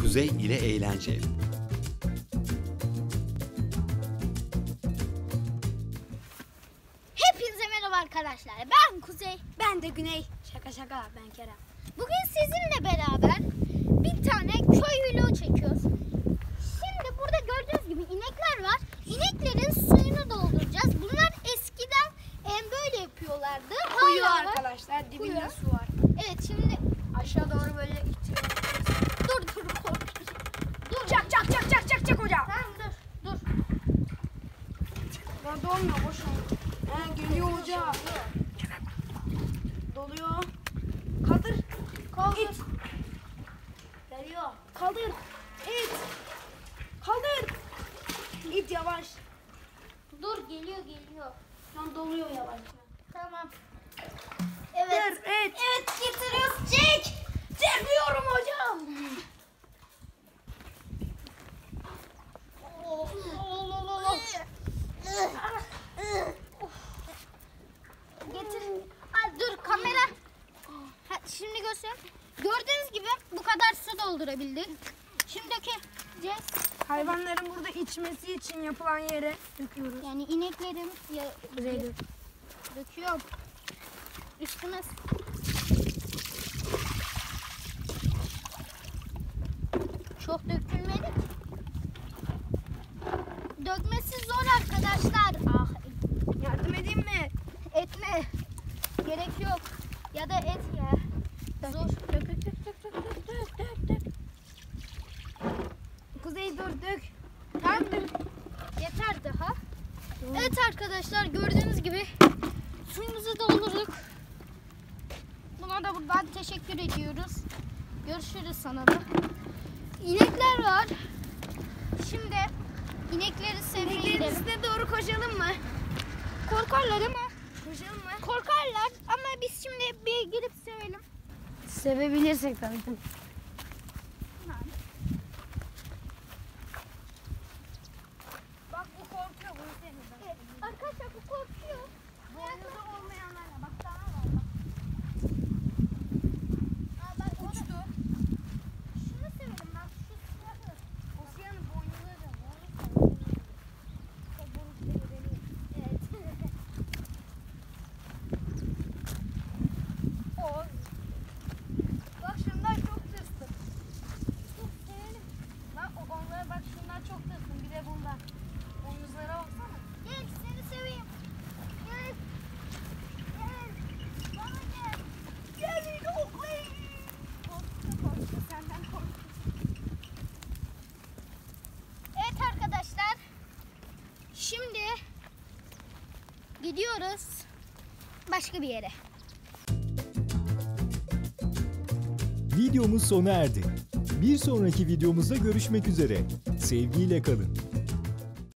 Kuzey ile eğlence. Hepinize merhaba arkadaşlar. Ben Kuzey. Ben de Güney. Şaka şaka, ben Kerem. Bugün sizinle beraber bir tane köy vlogu çekiyoruz. Şimdi burada gördüğünüz gibi inekler var. İneklerin suyunu dolduracağız. Bunlar eskiden böyle yapıyorlardı. Kuyu Hala var. arkadaşlar, dibinde Kuyu. su var. Evet, şimdi Aşağı doğru böyle itiyor. dur korkuyorum. Dur. Çak çak çak çak çak çak hoca. Tamam, dur. Ya dolmuyor, boş oldu. Geliyor hoca. Doluyor. Kaldır. İt. Geliyor. Kaldır. İt. Kaldır. İt yavaş. Dur, geliyor. Şu an doluyor yavaş. Tamam. Evet. Evet. Evet. Evet, getiriyoruz. Çek. Çekiyorum hocam. Getir. Dur kamera. Şimdi göster. Gördüğünüz gibi bu kadar su doldurabildik. Şimdi dökeceğiz. Hayvanların burada içmesi için yapılan yere döküyoruz. Yani ineklerin Buraya dök. döküyorum. Üstüne. Çok dökülmedi. Dökmesi zor arkadaşlar. Ah, Yardım edeyim mi? etme. Gerek yok. Ya da et ya. Zor. Dök. Kuzey dur dök. Tamam. Yeter daha. Evet arkadaşlar, gördüğünüz gibi suyumuzu doldurduk. Buna da buradan teşekkür ediyoruz. Görüşürüz sana da. İnekler var. Şimdi inekleri sevmeye İneklerin gidelim. üstüne doğru koşalım mı? Korkarlar ama. Koşalım mı? Korkarlar ama biz şimdi bir girip sevelim. Sevebilirsek tabii. Bak bu korkuyor, bunu sevmiyor. Evet, arkadaşlar bu korkuyor. Boynuzu olmayanlarla bak daha var. Bak. Uçtu. Şunu sevelim bak, şu siyahı. Osya'nın boynuzları. Evet. Bak şunlar çok tırstım. Bak onlara bak, şunlar çok tırstım. Bir de bunlar. Boynuzlara baksana. Gel, seni seveyim. Gel. Bana gel. Gel oklayın. Korktu, senden korktu. Evet arkadaşlar. Şimdi gidiyoruz başka bir yere. Videomuz sona erdi. Bir sonraki videomuzda görüşmek üzere. Sevgiyle kalın.